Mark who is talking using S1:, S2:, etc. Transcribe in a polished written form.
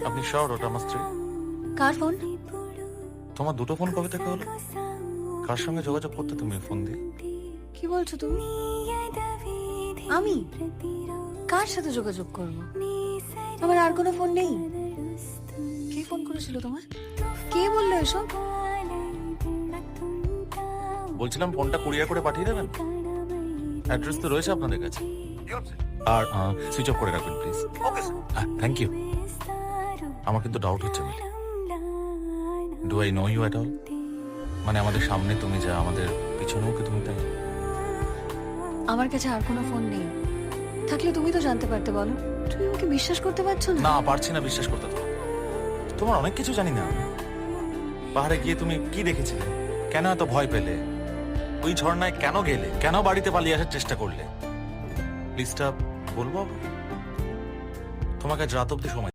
S1: আপনি শিওর ওটা আমার স্ত্রী?
S2: কার ফোন?
S1: তোমার দুটো ফোন কবে থেকে হলো? কার সঙ্গে যোগাযোগ করতে তুমি ফোন দিয়ে?
S2: কি বলছো তুমি? আমি কার সাথে যোগাযোগ করব? আমার আর কোনো ফোন নেই। কে ফোন করেছিল তোমার? কে বললো এসব?
S1: বলছিলাম ফোনটা কুরিয়ার করে পাঠিয়ে দেবেন। অ্যাড্রেস তো রয়েছে আপনাদের কাছে। আর সুইচ অফ করে রাখবেন please. Okay sir, thank you. আমার কিন্তু ডাউট হচ্ছে Mili. Do I know you at all? মানে আমাদের সামনে তুমি যা, আমাদের পিছনেও কি তুমি তাই?
S2: আমার কাছে আর কোনো ফোন নেই। থাকলে তুমি তো জানতে পারতে, বলো। তুমি আমাকে বিশ্বাস করতে পারছো না?
S1: না, পারছি না বিশ্বাস করতে। তোমার অনেক কিছু জানি না। পাহাড়ে গিয়ে তুমি কি দেখেছিলে? কেন এত ভয় পেলে? ওই ঝর্ণায় কেন গেলে? কেন বাড়িতে পালিয়ে আসার চেষ্টা করলে? প্লিজটা বলবো? তোমাকে আজ রাত অব্দি সময়